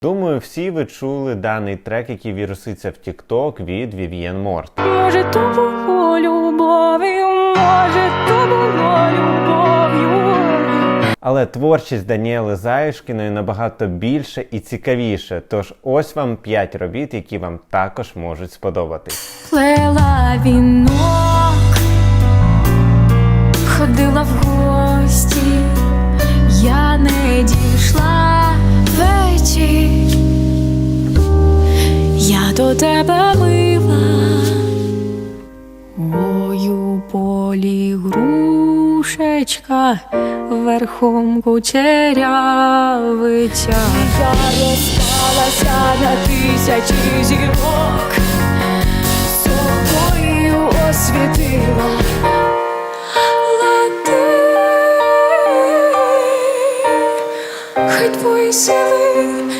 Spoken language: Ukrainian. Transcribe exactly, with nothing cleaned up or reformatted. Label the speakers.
Speaker 1: Думаю, всі ви чули даний трек, який віруситься в TikTok від Вів'єн Морт.
Speaker 2: Може, то було любов'ю, може, то було любов'ю.
Speaker 1: Але творчість Даніели Заюшкіної набагато більше і цікавіше, тож ось вам п'ять робіт, які вам також можуть сподобатись.
Speaker 2: Плела вінок, ходила в гості, я не дійшла вечір, я до тебе мила, ой, у полі грушечка, верхом кучерявиця. Я розпалася на тисячі зірок, собою освітила. Хай твої сили